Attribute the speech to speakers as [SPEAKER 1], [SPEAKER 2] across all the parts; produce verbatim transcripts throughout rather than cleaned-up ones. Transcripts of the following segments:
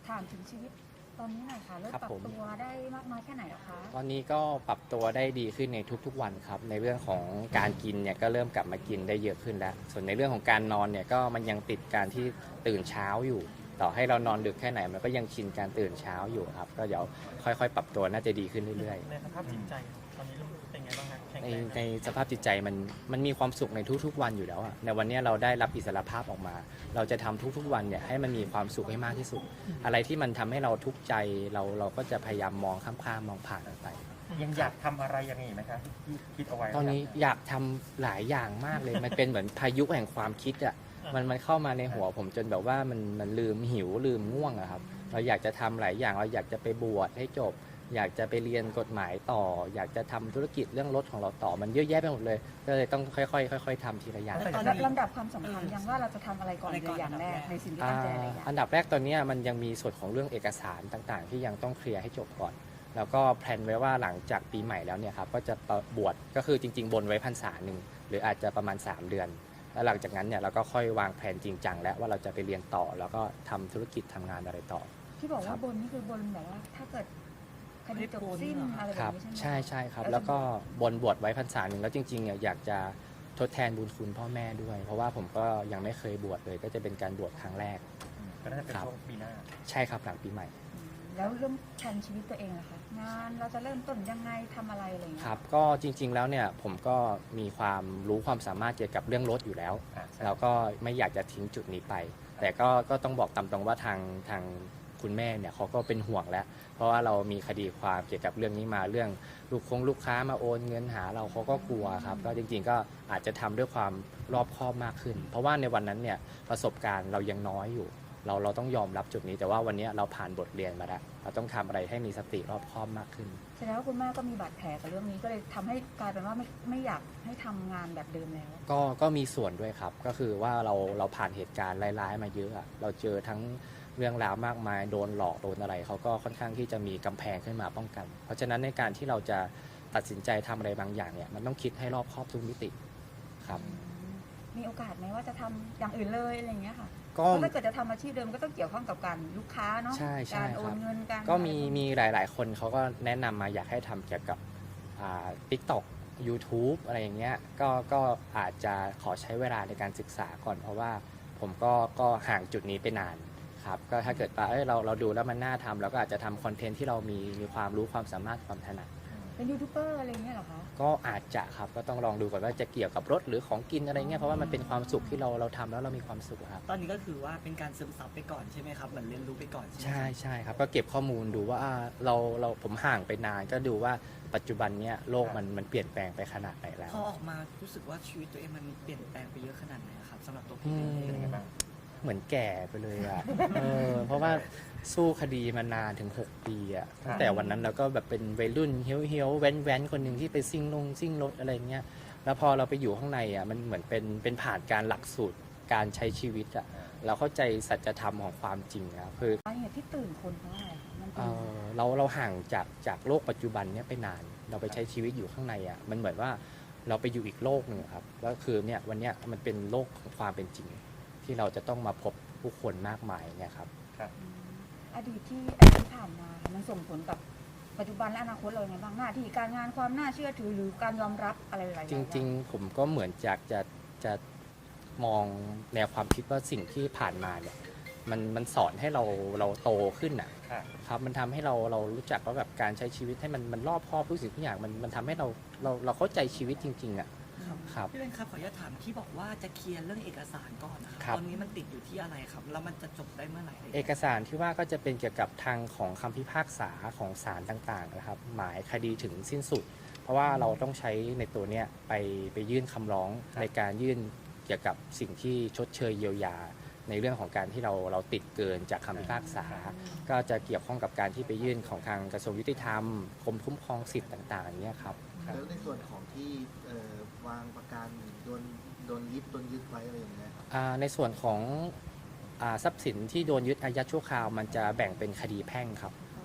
[SPEAKER 1] ถามถึงชีวิตตอนนี้หน่อยค่ะเริ่มปรับตัวได้มากน้อยแค่ไหนแล้วคะ
[SPEAKER 2] ตอนนี้ก็ปรับตัวได้ดีขึ้นในทุกๆวันครับในเรื่องของการกินเนี่ยก็เริ่มกลับมากินได้เยอะขึ้นแล้วส่วนในเรื่องของการนอนเนี่ยก็มันยังติดการที่ตื่นเช้าอยู่ต่อให้เรานอนดึกแค่ไหนมันก็ยังชินการตื่นเช้าอยู่ครับก็เดี๋ยวค่อยๆ ปรับตัวน่าจะดีขึ้นเรื่อยๆ
[SPEAKER 3] ในสภาพจิตใจตอนนี้เป็นไงบ้างครับแข็ง
[SPEAKER 2] ใน
[SPEAKER 3] แรงไหม
[SPEAKER 2] ในสภาพจิตใจมันมันมีความสุขในทุกๆวันอยู่แล้วอะในวันนี้เราได้รับอิสรภาพออกมา เราจะทำทุกๆวันเนี่ยให้มันมีความสุขให้มากที่สุด อะไรที่มันทำให้เราทุกข์ใจเราเราก็จะพยายามมองข้ามๆมองผ่านมันไป
[SPEAKER 3] ยังอยากทำอะไรยังไงไหมครับที่คิดเอาไว้
[SPEAKER 2] ตอนนี้อยากทำหลายอย่างมากเลย มันเป็นเหมือนพายุแห่งความคิดอะมันมันเข้ามาในหัวผมจนแบบว่ามันมันลืมหิวลืมง่วงอะครับเราอยากจะทำหลายอย่างเราอยากจะไปบวชให้จบ อยากจะไปเรียนกฎหมายต่อ อยากจะทำธุรกิจเรื่องรถของเราต่อมันเยอะแยะไปหมดเลยก็เลยต้องค่อยๆค่อยๆทำทีละอย่าง
[SPEAKER 1] ลำดับความสำคัญยังว่าเราจะทำอะไรก่อนเลยอย่างแรกในสิ่งที่ตั้งใจอะไรอย่าง
[SPEAKER 2] อันดับแรกตอนนี้มันยังมีส่วนของเรื่องเอกสารต่างๆ ที่ยังต้องเคลียร์ให้จบก่อน แล้วก็แพลนไว้ว่าหลังจากปีใหม่แล้วเนี่ยครับก็จะบวชก็คือจริงๆบนไว้พรรษาหนึ่งหรืออาจจะประมาณสามเดือน แล้วหลังจากนั้นเนี่ยเราก็ค่อยวางแผนจริงจังแล้วว่าเราจะไปเรียนต่อแล้วก็ทำธุรกิจทำงานอะไรต่อ
[SPEAKER 1] ที่บอกว่าบนนี่คือบนแบบว่าถ้าเกิดคดีจบสิ้นอะไรแบ
[SPEAKER 2] ครับ บ
[SPEAKER 1] นี้ใช่ไหม
[SPEAKER 2] ใช่ใช่ครับแล้วก็บนบวชไว้พรรษาหนึ่งแล้วจริงๆเนี่ยอยากจะทดแทนบุญคุณพ่อแม่ด้วย เพราะว่าผมก็ยังไม่เคยบวชเลยก็จะเป็นการบวชครั้งแรก
[SPEAKER 3] ก็น่าจะเป็นช่วงปีหน้า
[SPEAKER 2] ใช่ครับหลังปีใหม่
[SPEAKER 1] แล้วเริ่มแผนชีวิตตัวเองล่ะคะงานเราจะเริ่มต้นยังไงทำอะไรอะไรอย่างเงี้
[SPEAKER 2] ค
[SPEAKER 1] ย
[SPEAKER 2] รับก็จริงๆแล้วเนี่ยผมก็มีความรู้ความสามารถเกี่ยวกับเรื่องรถอยู่แล้ว
[SPEAKER 3] อ่าใช่
[SPEAKER 2] เราก็ไม่อยากจะทิ้งจุดนี้ไป แต่ก็ก็ต้องบอกตามตรงว่าทางทางคุณแม่เนี่ยเขาก็เป็นห่วงแล้ว เพราะว่าเรามีคดีความเกี่ยวกับเรื่องนี้มาเรื่องลูกคงลูกค้ามาโอนเงินหาเราเขาก็กลัวครับก็จริงๆก็อาจจะทำด้วยความรอบคอบมากขึ้น เพราะว่าในวันนั้นเนี่ยประสบการณ์เรายังน้อยอยู่ เราเราต้องยอมรับจุดนี้ แต่ว่าวันนี้เราผ่านบทเรียนมาแล้วเราต้องทำอะไรให้มีสติรอบคอบมากขึ้น
[SPEAKER 1] แสดงว่าคุณแม่ก็มีบาดแผลกับเรื่องนี้ก็เลยทำให้กลายเป็นว่าไม่ไม่อยากให้ทำงานแบบเดิมแล้ว
[SPEAKER 2] ก็ก็มีส่วนด้วยครับก็คือว่าเราเราผ่านเหตุการณ์ร้ายๆมาเยอะอะเราเจอทั้งเรื่องราวมากมายโดนหลอกโดนอะไรเขาก็ค่อนข้างที่จะมีกำแพงขึ้นมาป้องกัน เพราะฉะนั้นในการที่เราจะตัดสินใจทำอะไรบางอย่างเนี่ยมันต้องคิดให้รอบคอบทุกมิติครับ
[SPEAKER 1] มีโอกาสไหมว่าจะทำอย่างอื่นเลยอะไรอย่างเงี้ยค่ะ
[SPEAKER 2] ก็
[SPEAKER 1] เพราะถ้าเกิดจะทำอาชีพเดิมก็ต้องเกี่ยวข้องกับการลูกค้าเนาะ
[SPEAKER 2] ใช่ใช่
[SPEAKER 1] การโอ
[SPEAKER 2] ครั
[SPEAKER 1] น
[SPEAKER 2] บ
[SPEAKER 1] เงินการ
[SPEAKER 2] ก็มีมีหลาย ๆ คนเขาก็แนะนำมาอยากให้ทำเกี่ยวกับอ่า TikTok YouTube อะไรอย่างเงี้ยก็ก็อาจจะขอใช้เวลาในการศึกษาก่อน เพราะว่าผมก็ก็ห่างจุดนี้ไปนานครับก็ถ้าเกิดว่าเอ้ยเราเราดูแล้วมันน่าทำเราก็อาจจะทำคอนเทนต์ที่เรามีมีความรู้ความสามารถความถนัด
[SPEAKER 1] เป็นยูทูบเบอร์อะไรอย่างเงี้ยเหรอคะ
[SPEAKER 2] ก็อาจจะครับก็ต้องลองดูก่อนว่าจะเกี่ยวกับรถหรือของกินอะไรเงี้ยเพราะว่ามันเป็นความสุขที่เราเราทำแล้วเรามีความสุขครับ
[SPEAKER 4] ตอนนี้ก็คือว่าเป็นการซึมซับไปก่อนใช่ไหมครับเหมือนเรียนรู้ไปก่อนใช่ไหม
[SPEAKER 2] ใช่ใช่ครับก็เก็บข้อมูลดูว่าอ่าเราเราผมห่างไปนานก็ดูว่าปัจจุบันเนี้ยโลกมันมันเปลี่ยนแปลงไปขนาดไหนแล้ว
[SPEAKER 4] พอออกมารู้สึกว่าชีวิตตัวเองมันเปลี่ยนแปลงไปเยอะขนาดไหนครับสำหรับตัว
[SPEAKER 2] อื
[SPEAKER 4] พี่
[SPEAKER 2] ม
[SPEAKER 4] เอง
[SPEAKER 3] เป็นยังไงบ้าง
[SPEAKER 2] เหมือนแก่ไปเลยอ่ะ เออเพราะว่าสู้คดีมานานถึงหกปีอ่ะตั้งแต่วันนั้นเราก็แบบเป็นวัยรุ่นเฮี้ยวเฮี้ยวแว้นแว้นคนหนึ่งที่ไปซิ่งลงซิ่งรถอะไรเงี้ยแล้วพอเราไปอยู่ข้างในอ่ะมันเหมือนเป็นเป็นผ่านการหลักสูตรการใช้ชีวิตอ่ะเราเข้าใจสัจธรรมของความจริงครับคือ
[SPEAKER 1] สาเหตุที่ตื่นคนเพราะอะไรคะมัน
[SPEAKER 2] เอ
[SPEAKER 1] เป็น
[SPEAKER 2] อเราเราห่างจากจากโลกปัจจุบันเนี้ยไปนาน เราไปใช้ชีวิตอยู่ข้างในอ่ะมันเหมือนว่าเราไปอยู่อีกโลกหนึ่งครับแล้วคือเนี่ยวันเนี้ยมันเป็นโลกของความเป็นจริง ที่เราจะต้องมาพบผู้คนมากมายเนี่ยครับ
[SPEAKER 1] อดีตที่อดีตที่ผ่านมาค่ะมันส่งผลกับปัจจุบันและอนาคตเรายังไงบ้างหน้าที่การงานความน่าเชื่อถือหรือการยอมรับอะไรหลายๆ
[SPEAKER 2] จริงๆ ผมก็เหมือนจากจะจะมองแนวความคิดว่าสิ่งที่ผ่านมาเนี่ยมันมันสอนให้เราเราโตขึ้นอ่ะ
[SPEAKER 3] ค่ะ
[SPEAKER 2] ครับมันทำให้เราเรารู้จักว่าแบบการใช้ชีวิตให้มันมันรอบคอบทุกสิ่งทุกอย่างมันมันทำให้เราเราเราเข้าใจชีวิตจริงๆอ่ะครับ
[SPEAKER 4] พี่เป็นครับขออนุญาตถามที่บอกว่าจะเคลียร์เรื่องเอกสารก่อนนะค
[SPEAKER 2] ครั
[SPEAKER 4] รับ ตอนนี้มันติดอยู่ที่อะไรครับแล้วมันจะจบได้เมื่อไหร่
[SPEAKER 2] เอกสารที่ว่าก็จะเป็นเกี่ยวกับทางของคำพิพากษาของศาลต่างๆนะครับหมายคดีถึงสิ้นสุด เพราะว่าเราต้องใช้ในตัวเนี้ยไปไปยื่นคำร้องในการยื่นเกี่ยวกับสิ่งที่ชดเชยเยียวยา ในเรื่องของการที่เราเราติดเกินจากคำพิพากษา ก็จะเกี่ยวข้องกับการที่ไปยื่นของทางกระทรวงยุติธรรมกรมคุ้มครองสิทธิ์ต่างๆอย่างเงี้ยครับ
[SPEAKER 5] แล้วในส่วนของที่เอ่อวางประกันโดนโดนยึดโดนยึดไว้อะไรอย่างเงี้ยครับ
[SPEAKER 2] อ่าในส่วนของอ่าทรัพย์สินที่โดนยึดอายัดชั่วคราวมันจะแบ่งเป็นคดีแพ่งครับ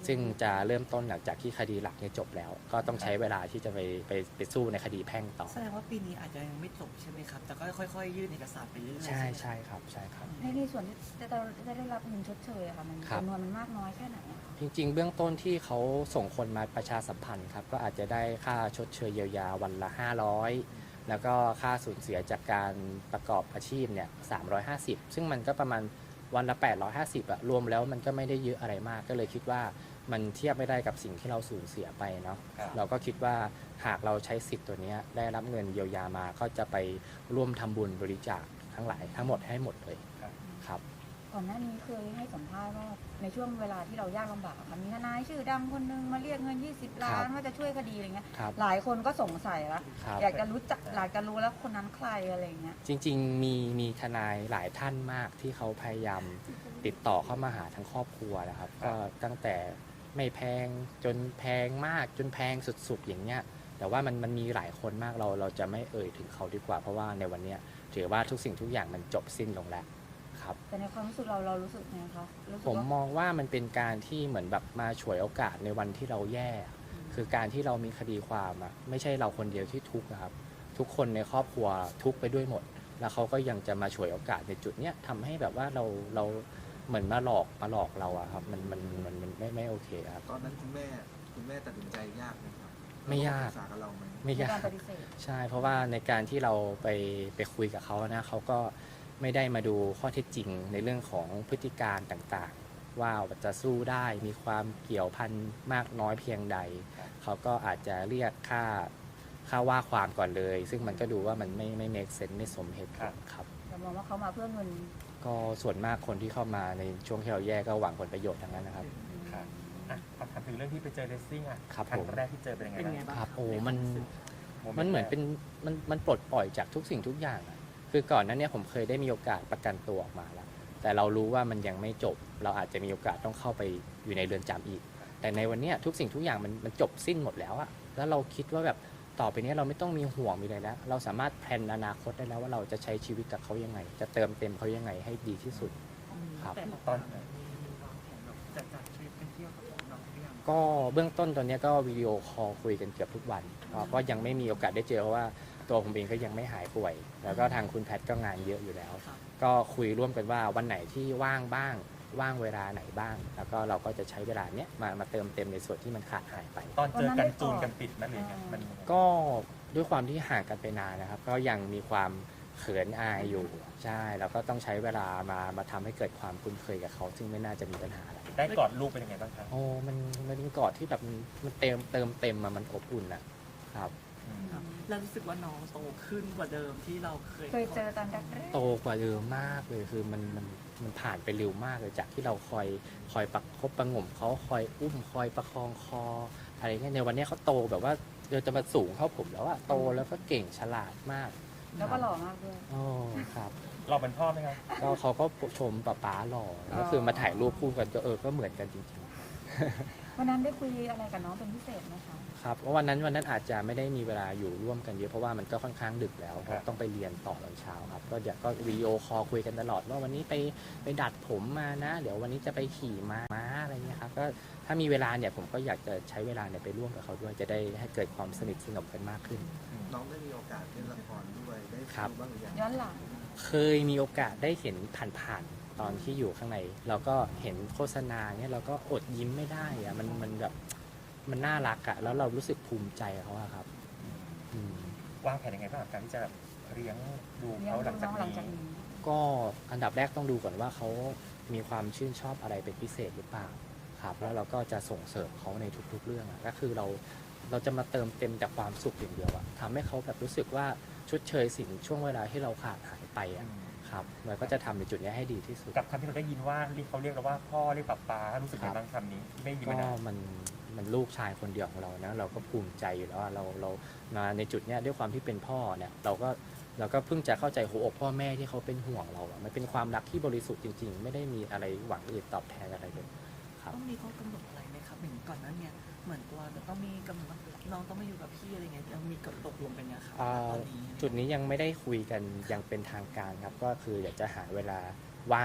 [SPEAKER 2] ซึ่งจะเริ่มต้นหลังจากที่คดีหลักเนี่ยจบแล้ว ก็ต้องใช้เวลาที่จะไปไปไปสู้ในคดีแพ่งต่อ
[SPEAKER 4] แสดงว่าปีนี้อาจจะยังไม่จบใช่ไหมครับ แต่ก็ค่อยๆ ยื่นเอกสารไปเรื่อยๆ
[SPEAKER 2] ใช่
[SPEAKER 4] ไหม
[SPEAKER 2] ใช่ครับใช่ครับ
[SPEAKER 1] ในในส่วนที่จะได้จะได้รับเงินชดเชยอะค่ะมัน
[SPEAKER 2] ครับ
[SPEAKER 1] จำนวนมันมากน้อยแค่ไหนอะคะ
[SPEAKER 2] จริงๆ เบื้องต้นที่เขาส่งคนมาประชาสัมพันธ์ครับก็อาจจะได้ค่าชดเชยเยียวยาวันละ ห้าร้อย แล้วก็ค่าสูญเสียจากการประกอบอาชีพเนี่ยสามร้อยห้าสิบ ซึ่งมันก็ประมาณวันละ แปดร้อยห้าสิบอะรวมแล้วมันก็ไม่ได้เยอะอะไรมาก ก็เลยคิดว่ามันเทียบไม่ได้กับสิ่งที่เราสูญเสียไปเนาะ
[SPEAKER 3] ครับ
[SPEAKER 2] เราก็คิดว่าหากเราใช้สิทธิ์ตัวเนี้ยได้รับเงินเยียวยามาก็จะไปร่วมทำบุญบริจาคทั้งหลายทั้งหมดให้หมดเลยครับ
[SPEAKER 1] ก่อนหน้านี้เคยให้สัมภาษณ์ว่าในช่วงเวลาที่เรายากลำบากอะค่ะมีทนายชื่อดังคนนึงมาเรียกเงิน ยี่สิบ ล้านว่าจะช่วยคดีอะไรเงี้ย
[SPEAKER 2] ครับ
[SPEAKER 1] หลายคนก็สงสัยละ
[SPEAKER 2] ครับ
[SPEAKER 1] อยากจะรู้จักอยากจะรู้แล้วคนนั้นใครอะไรเงี้ย
[SPEAKER 2] จริงๆ มีมีทนายหลายท่านมากที่เขาพยายามติดต่อเข้ามาหาทั้งครอบครัวนะครับ ก็ตั้งแต่ไม่แพงจนแพงมากจนแพงสุดๆอย่างเงี้ยแต่ว่ามันมันมีหลายคนมากเราเราจะไม่เอ่ยถึงเขาดีกว่า เพราะว่าในวันเนี้ยถือว่าทุกสิ่งทุกอย่างมันจบสิ้นลงแล้วครับ
[SPEAKER 1] แต่ในความรู้สึกเราเรารู้สึกไงคะรู้สึก
[SPEAKER 2] ผม
[SPEAKER 1] ว่าม
[SPEAKER 2] องว่ามันเป็นการที่เหมือนแบบมาฉวยโอกาสในวันที่เราแย่ คือการที่เรามีคดีความอะไม่ใช่เราคนเดียวที่ทุกข์นะครับ ทุกคนในครอบครัวทุกข์ไปด้วยหมด แล้วเขาก็ยังจะมาฉวยโอกาสในจุดเนี้ยทำให้แบบว่าเราเราเหมือนมาหลอกมาหลอกเราอะครับมันมันมันมันไม่ไม่โอเคครับ
[SPEAKER 5] ตอนนั้นคุณแม่คุณแม่ตัดสินใจยากไหมครับ
[SPEAKER 2] ไม่ยาก
[SPEAKER 5] ปรึกษากับเราไหม
[SPEAKER 2] ไม่ยาก
[SPEAKER 1] การปฏิเสธ
[SPEAKER 2] ใช่ เพราะว่าในการที่เราไปไปคุยกับเขานะเขาก็ไม่ได้มาดูข้อเท็จจริงในเรื่องของพฤติการต่างๆ ว่าจะสู้ได้มีความเกี่ยวพันมากน้อยเพียงใด เขาก็อาจจะเรียกค่าค่าว่าความก่อนเลย ซึ่งมันก็ดูว่ามันไม่ไม่ make sense ไม่สมเหตุผลครับ
[SPEAKER 1] เรามองว่าเขามาเพื่อเงิน
[SPEAKER 2] ก็ส่วนมากคนที่เข้ามาในช่วงที่เราแย่ก็หวังผลประโยชน์ทั้งนั้นนะครับ
[SPEAKER 3] ครับอ่ะขอถามถึงเรื่องที่ไปเจอเลสซิ่งอ่ะ
[SPEAKER 2] ครับ
[SPEAKER 3] ครั้
[SPEAKER 2] ผ
[SPEAKER 3] ง
[SPEAKER 2] ม
[SPEAKER 3] แรกที่เจอเป็นยังไง
[SPEAKER 4] เป็นไง
[SPEAKER 3] บ้าง
[SPEAKER 4] บ้าง
[SPEAKER 2] ครับ โอ้
[SPEAKER 4] ใ
[SPEAKER 2] มัน
[SPEAKER 4] วารู้สึก
[SPEAKER 2] มันเหมือนเป็นมันมันปลดปล่อยจากทุกสิ่งทุกอย่างอะคือก่อนหนั้นเนี่ยผมเคยได้มีโอกาสประกันตัวออกมาแล้ว แต่เรารู้ว่ามันยังไม่จบ เราอาจจะมีโอกาสต้องเข้าไปอยู่ในเรือนจำอีก แต่ในวันเนี้ยทุกสิ่งทุกอย่างมันมันจบสิ้นหมดแล้วอะแล้วเราคิดว่าแบบต่อไปเนี้ยเราไม่ต้องมีห่วงมีอะไรแล้ว เราสามารถแพลนอนาคตได้แล้วว่าเราจะใช้ชีวิตกับเขายังไง จะเติมเต็มเขายังไงให้ดีที่สุด ครับ
[SPEAKER 4] แต่
[SPEAKER 3] ตอน
[SPEAKER 4] มีวางแผนแบบจะจัดทริปไปเที่ยวกับน้องๆหรือยัง
[SPEAKER 2] ก็เบื้องต้นตอนเนี้ยก็วิดีโอคอลคุยกันเกือบทุกวันก็ก็ยังไม่มีโอกาสได้เจอเพราะว่าตัวผมเองก็ยังไม่หายป่วย แล้วก็ทางคุณแพทย์ก็งานเยอะอยู่แล้ว
[SPEAKER 4] ครับ
[SPEAKER 2] ก็คุยร่วมกันว่าวันไหนที่ว่างบ้างว่างเวลาไหนบ้าง แล้วก็เราก็จะใช้เวลาเนี้ยมามาเติมเต็มในส่วนที่มันขาดหายไป
[SPEAKER 3] ตอนเจอกันจูนกันติดไหมหรือยังไงมัน
[SPEAKER 2] ก็ด้วยความที่ห่างกันไปนานนะครับ ก็ยังมีความเขินอายอยู่ใช่แล้วก็ต้องใช้เวลามามาทำให้เกิดความคุ้นเคยกับเขา ซึ่งไม่น่าจะมีปัญหาอะไร
[SPEAKER 3] ได้กอดลูกเป็นยังไงบ้างครับ
[SPEAKER 2] โอ้มันมันเป็นกอดที่แบบมันมันเติมเติมเต็มอะมันอบอุ่นอะครับ
[SPEAKER 3] อืม
[SPEAKER 4] ครับแล้วรู้สึกว่าน้องโตขึ้นกว่าเดิมที่เราเคย
[SPEAKER 1] เคยเจอตอนแรก
[SPEAKER 2] โตกว่าเดิมมากเลยคือมันมันมันผ่านไปเร็วมากเลยจากที่เราคอยคอยประคบประหงมเขาคอยอุ้มคอยประคองคออะไรเงี้ยในวันนี้เขาโตแบบว่าเดี๋ยวจะมาสูงเท่าผมแล้วอะโตแล้วก็เก่งฉลาดมาก
[SPEAKER 1] ๆแล้วก็หล่อมากด้วย
[SPEAKER 2] โอ้ครับ
[SPEAKER 3] เราเป็นพ่อไหมครับ
[SPEAKER 2] ก็เขาก็ชมป๊าป๊าหล่อก็คือมาถ่ายรูปคู่กันก็เออก็เหมือนกันจริง
[SPEAKER 1] วันนั้นได้คุยอะไรกับน้องเป็นพิเศษไหมคะ
[SPEAKER 2] ๆครับเพราะวันนั้นวันนั้นอาจจะไม่ได้มีเวลาอยู่ร่วมกันเยอะเพราะว่ามันก็ค่อนข้างดึกแล้ว
[SPEAKER 3] ครับ
[SPEAKER 2] ต้องไปเรียนต่อตอนเช้าครับก็เดี๋ยวก็วิดีโอคอลคุยกันตลอดว่าวันนี้ไปไปดัดผมมานะ เดี๋ยววันนี้จะไปขี่ม้าม้าอะไรเงี้ยครับก็ถ้ามีเวลาเนี่ยผมก็อยากจะใช้เวลาเนี่ยไปร่วมกับเขาด้วยจะได้ให้เกิดความสนิทสนมกันมากขึ้น
[SPEAKER 5] น้องได้มีโอกาสเล่นละครด้วยได้
[SPEAKER 2] ครับ
[SPEAKER 5] ดูบ้างหรือยัง
[SPEAKER 1] ย้อนหลัง
[SPEAKER 2] เคยมีโอกาสได้เห็นผ่านๆตอนที่อยู่ข้างในเราก็เห็นโฆษณาเนี่ยเราก็อดยิ้มไม่ได้อะมันมันแบบมันน่ารักอะแล้วเรารู้สึกภูมิใจกับเขาอะครับอืม
[SPEAKER 3] วางแผนยังไงบ้างกับการที่จะแบบเลี้ยงดู
[SPEAKER 1] เลี้ยง
[SPEAKER 3] เขาห
[SPEAKER 1] ดู
[SPEAKER 3] ลัง
[SPEAKER 1] น้
[SPEAKER 3] จาก
[SPEAKER 1] องหลัง
[SPEAKER 3] นี้
[SPEAKER 1] จากนี้
[SPEAKER 2] ก็อันดับแรกต้องดูก่อนว่าเขามีความชื่นชอบอะไรเป็นพิเศษหรือเปล่าครับแล้วเราก็จะส่งเสริมเขาในทุกๆเรื่องอะก็คือเราเราจะมาเติมเต็มแต่ความสุขอย่างเดียวอะทำให้เขาแบบรู้สึกว่าชดเชยสิ่งช่วงเวลาที่เราขาดหายไปอะครับเราก็จะทำในจุดนี้ให้ดีที่สุด
[SPEAKER 3] กับคำที่เราได้ยินว่าเรียกเขาเรียกเราว่าพ่อเรียกป๊าป๊ารู้สึกยังไงบ้างคำนี้ที่ไม่ได้ยิน
[SPEAKER 2] ก็
[SPEAKER 3] มานาน
[SPEAKER 2] มันมันลูกชายคนเดียวของเรานะเราก็ภูมิใจอยู่แล้วว่าเราเรามาในจุดเนี้ยด้วยความที่เป็นพ่อเนี่ยเราก็เราก็เพิ่งจะเข้าใจหัวอกพ่อแม่ที่เขาเป็นห่วงเราอะมันเป็นความรักที่บริสุทธิ์จริง ๆ ไม่ได้มีอะไรหวังอื่นตอบแทนอะไรเลยครับ
[SPEAKER 4] ต้องมีข้อกำหนดอะไรไหมครับเหมือนก่อนหนั้นเนี่ยเหมือนตัวจะต้องมีกำหนดว่าน้องต้องมาอยู่กับพี่อะไรเงี้ยยังมีกฎตกลงกันเนี่ยครับ
[SPEAKER 2] อ่า
[SPEAKER 4] ตอนนี้
[SPEAKER 2] จุดนี้ยังไม่ได้คุยกันอย่างเป็นทางการครับก็คืออยากจะหาเวลาว่าง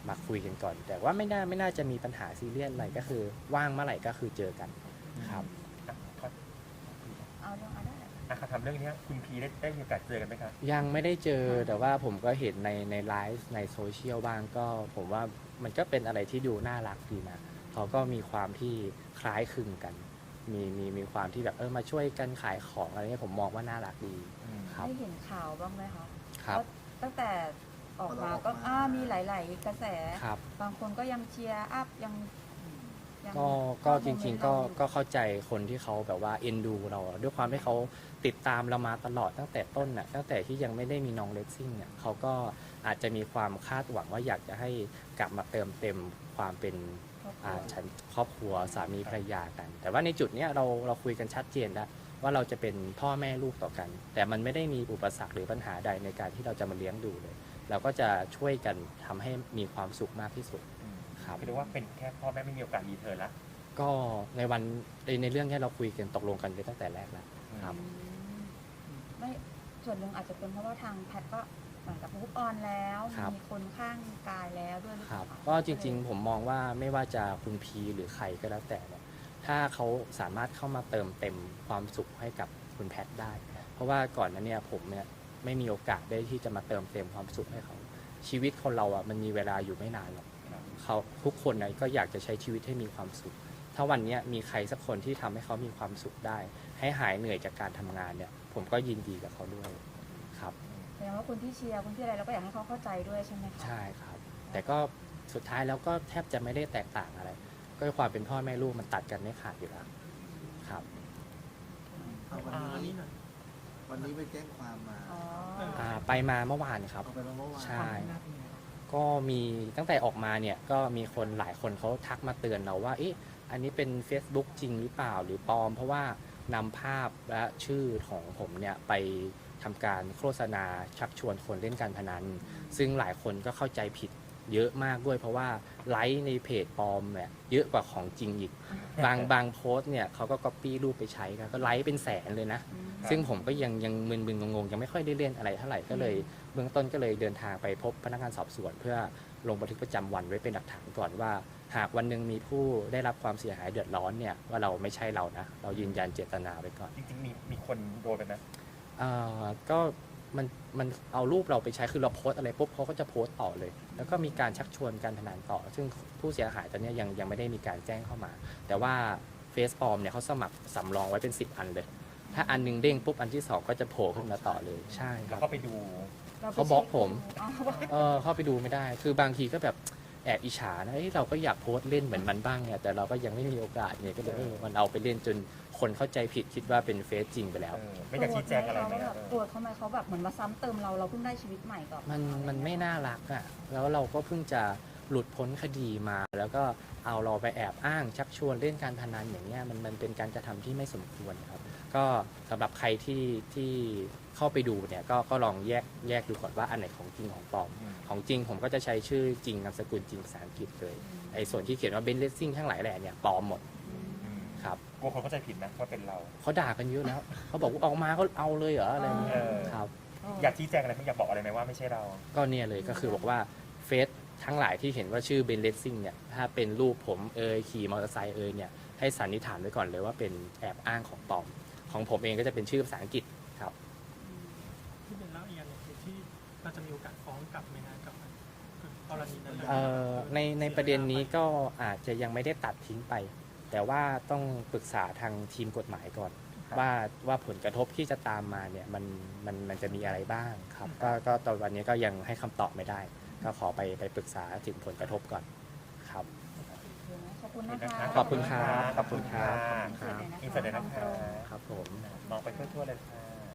[SPEAKER 2] มาคุยกันก่อน แต่ว่าไม่น่าไม่น่าจะมีปัญหาซีเรียสอะไรก็คือว่างเมื่อไหร่ก็คือเจอกันครับ
[SPEAKER 3] อ่ะขอ
[SPEAKER 1] เอาเรื่องเอาได้
[SPEAKER 3] อ่ะขอถามเรื่องเนี้ยคุณพีได้ได้มีโอกาสเจอกันไหมครับ
[SPEAKER 2] ยังไม่ได้เจอแต่ว่าผมก็เห็นในในไลฟ์ในโซเชียลบ้างก็ผมว่ามันก็เป็นอะไรที่ดูน่ารักดีนะเขาก็มีความที่คล้ายคลึงกัน มีมีมีความที่แบบเออมาช่วยกันขายของอะไรเงี้ยผมมองว่าน่ารักดีครับ
[SPEAKER 1] ได้เห็นข่าวบ้างไหมคะ
[SPEAKER 2] ครับ
[SPEAKER 1] ว่าตั้งแต่ออกมา
[SPEAKER 5] พอเราออก
[SPEAKER 1] ก็
[SPEAKER 5] มา
[SPEAKER 1] อ่ามีหลาย ๆ กระแส
[SPEAKER 2] ครับ
[SPEAKER 1] บางคนก็ยังเชียร์อัพยังยัง
[SPEAKER 2] ก็ก็
[SPEAKER 1] เข้า
[SPEAKER 2] จ
[SPEAKER 1] โมเม
[SPEAKER 2] ริ
[SPEAKER 1] น
[SPEAKER 2] ง
[SPEAKER 1] ต์
[SPEAKER 2] ๆ ก็
[SPEAKER 1] เราอยู่
[SPEAKER 2] ก็เข้าใจคนที่เขาแบบว่าเอ็นดูเราอะด้วยความที่เขาติดตามเรามาตลอดตั้งแต่ต้นน่ะตั้งแต่ที่ยังไม่ได้มีน้องเลสซิ่งเนี่ยเขาก็อาจจะมีความคาดหวังว่าอยากจะให้กลับมาเติมเต็มความเป็น
[SPEAKER 1] ครอบครั
[SPEAKER 2] อ่าว ฉันครอบครัวสามีภรรยากัน แต่ว่าในจุดเนี้ยเราเราคุยกันชัดเจนแล้วว่าเราจะเป็นพ่อแม่ลูกต่อกัน แต่มันไม่ได้มีอุปสรรคหรือปัญหาใดในการที่เราจะมาเลี้ยงดูเลย เราก็จะช่วยกันทำให้มีความสุขมากที่สุด ครับ
[SPEAKER 3] คือเรียกว่าเป็นแค่พ่อแม่ไม่มีโอกาสรีเทิร์นละ
[SPEAKER 2] ก็ในวันในในเรื่องเนี้ยเราคุยกันตกลงกันไปตั้งแต่แรกแล้วครับ
[SPEAKER 1] อืมไม่ส่วนหนึ่งอาจจะเป็นเพราะว่าทางแพทย์ก็เหมือนกับมูฟออนแล้ว
[SPEAKER 2] ครับ
[SPEAKER 1] มีคนข้างกายแล้วด้วยหรือ
[SPEAKER 2] ค
[SPEAKER 1] เป
[SPEAKER 2] รั
[SPEAKER 1] ล่า
[SPEAKER 2] บก็จริงๆผมมองว่าไม่ว่าจะคุณพีหรือใครก็แล้วแต่เนี่ยถ้าเขาสามารถเข้ามาเติมเต็มความสุขให้กับคุณแพทย์ได้ เพราะว่าก่อนหนั้นเนี่ยผมเนี่ยไม่มีโอกาสได้ที่จะมาเติมเต็มความสุขให้เขาชีวิตคนเราอ่ะมันมีเวลาอยู่ไม่นานหรอกเขาทุกคนนะก็อยากจะใช้ชีวิตให้มีความสุข ถ้าวันเนี้ยมีใครสักคนที่ทำให้เขามีความสุขได้ ให้หายเหนื่อยจากการทำงานเนี่ย ผมก็ยินดีกับเขาด้วยครับ
[SPEAKER 1] แสดงว่าคนที่เชียร์คนที่อะไรเราก็อยากให้เขาเข้าใจด้วยใช่ไหมคะ
[SPEAKER 2] ใช่ครับ แต่ก็สุดท้ายแล้วก็แทบจะไม่ได้แตกต่างอะไร ก็ความเป็นพ่อแม่ลูกมันตัดกันไม่ขาดอยู่แล้วครับ
[SPEAKER 5] เอาวัน
[SPEAKER 4] อ่า
[SPEAKER 5] นี้
[SPEAKER 4] นี่หน่อย
[SPEAKER 5] วันนี้ไปแจ้งความมา
[SPEAKER 1] อ๋อ
[SPEAKER 2] อ่าไปมาเมื่อวานครับ
[SPEAKER 5] เอาไปมาเมื่อวาน
[SPEAKER 2] ใช่
[SPEAKER 4] ความคืบหน้าเป็นไงบ้าง
[SPEAKER 2] ก็มีตั้งแต่ออกมาเนี่ยก็มีคนหลายคนเขาทักมาเตือนเราว่าเอ๊ะอันนี้เป็น Facebook จริงหรือเปล่าหรือปลอม เพราะว่านำภาพและชื่อของผมเนี่ยไปทำการโฆษณาชักชวนคนเล่นการพนัน ซึ่งหลายคนก็เข้าใจผิดเยอะมากด้วย เพราะว่าไลค์ในเพจปลอมเนี่ยเยอะกว่าของจริงอีก บางบางโพสต์เนี่ยเขาก็ก๊อปปี้รูปไปใช้กันก็ไลค์เป็นแสนเลยนะ
[SPEAKER 1] อืม
[SPEAKER 2] ซึ่งผมก็ยังยังมึนๆงงๆยังไม่ค่อยได้เล่นอะไรเท่าไหร่ก็เลยเบื้องต้นก็เลยเดินทางไปพบพนักงานสอบสวน เพื่อลงบันทึกประจำวันไว้เป็นหลักฐานก่อนว่า หากวันหนึ่งมีผู้ได้รับความเสียหายเดือดร้อนเนี่ยว่าเราไม่ใช่เรานะเรายืนยันเจตนาไว้ก่อน
[SPEAKER 3] จริงๆมีมีคนโดนไปไหม
[SPEAKER 2] เอ่อก็มันมันเอารูปเราไปใช้คือเราโพสต์อะไรปุ๊บเขาก็จะโพสต์ต่อเลย แล้วก็มีการชักชวนการพนันต่อ ซึ่งผู้เสียหายตอนเนี้ยยังยังไม่ได้มีการแจ้งเข้ามา แต่ว่าเฟซปลอมเนี่ยเขาสมัครสำรองไว้เป็นสิบอันเลย ถ้าอันหนึงเด้งปุ๊บอันที่สองก็จะโผล่ขึ้นมาต่อเลยใช่ค
[SPEAKER 3] แล้
[SPEAKER 2] รั
[SPEAKER 3] ว
[SPEAKER 2] บ
[SPEAKER 3] ก็ไปดู
[SPEAKER 1] รไป
[SPEAKER 2] เขาบล็อกผม
[SPEAKER 1] อ๋อ
[SPEAKER 2] เออเข้าไปดูไม่ได้ คือบางทีก็แบบแอบอิจฉานะเอ้ยเราก็อยากโพสต์เล่นเหมือนมันบ้างเนี่ยแต่เราก็ยังไม่มีโอกาสเนี่ยก็เลยเออมันเอาไปเล่นจนคนเข้าใจผิดคิดว่าเป็นเฟซจริงไปแล้ว
[SPEAKER 3] เออไม่อยากชี้แจงอะไรไหม
[SPEAKER 1] เขา
[SPEAKER 3] ค
[SPEAKER 1] แบ
[SPEAKER 3] รั
[SPEAKER 1] บบ โกรธเขาไหมเขาแบบเหมือนมาซ้ำเติมเราเราเพิ่งได้ชีวิตใหม่ก่อน
[SPEAKER 2] มันมันไม่น่ารักอ่ะ แล้วเราก็เพิ่งจะหลุดพ้นคดีมา แล้วก็เอาเราไปแอบอ้างชักชวนเล่นการพนันอย่างเงี้ยมันมันเป็นการกระทำที่ไม่สมควรครับ ก็สำหรับใครที่ที่เข้าไปดูเนี่ยก็ก็ลองแยกแยกดูก่อนว่าอันไหนของจริงของปลอม
[SPEAKER 3] อืม
[SPEAKER 2] ของจริงผมก็จะใช้ชื่อจริงนามสกุลจริงภาษาอังกฤษเลยไอ้ส่วนที่เขียนว่าเบนเลสซิ่งทั้งหลายแหล่เนี่ยปลอมหมด
[SPEAKER 3] อืม
[SPEAKER 2] ครับ
[SPEAKER 3] กลัวคนเข้าใจผิดนะว่าเป็นเรา
[SPEAKER 2] เขาด่ากันเยอะแล้ว เขาบอกว่าออกมาก็เอาเลยเหรออะไรอย่างเงี้ย
[SPEAKER 3] เออ
[SPEAKER 2] ครับ
[SPEAKER 3] อยากชี้แจงอะไรไหมอยากบอกอะไรไหมว่าไม่ใช่เรา
[SPEAKER 2] ก็เนี่ยเลยก็คือบอกว่าเฟซทั้งหลายที่เห็นว่าชื่อเบนเลสซิ่งเนี่ยถ้าเป็นรูปผมเอยขี่มอเตอร์ไซค์เอยเนี่ยให้สันนิษฐานไว้ก่อนเลยว่าเป็นแอบอ้างของปลอม ของผมเองก็จะเป็นชื่อภาษาอังกฤษครับ
[SPEAKER 6] ที่เป็นเล่าอีกอย่างหนึงคือที่เราจะมีโอกาสฟ้องกลับไหมนะกับกรณีนั้นเลย
[SPEAKER 2] เอ่อในในประเด็นนี้ก็อาจจะยังไม่ได้ตัดทิ้งไป แต่ว่าต้องปรึกษาทางทีมกฎหมายก่อน
[SPEAKER 3] ครับ
[SPEAKER 2] ว่าว่าผลกระทบที่จะตามมาเนี่ยมันมันมันจะมีอะไรบ้างครับก็ก็ตอนวันนี้ก็ยังให้คำตอบไม่ได้ ก็ขอไปไปปรึกษาถึงผลกระทบก่อนครับ
[SPEAKER 1] ขอบคุณนะคะ
[SPEAKER 2] ขอบคุณครับขอบคุณครับ
[SPEAKER 3] อินเสิร์ตเลยนะคะ
[SPEAKER 2] ครับผม
[SPEAKER 3] มองไปทั่วๆเลยค่ะ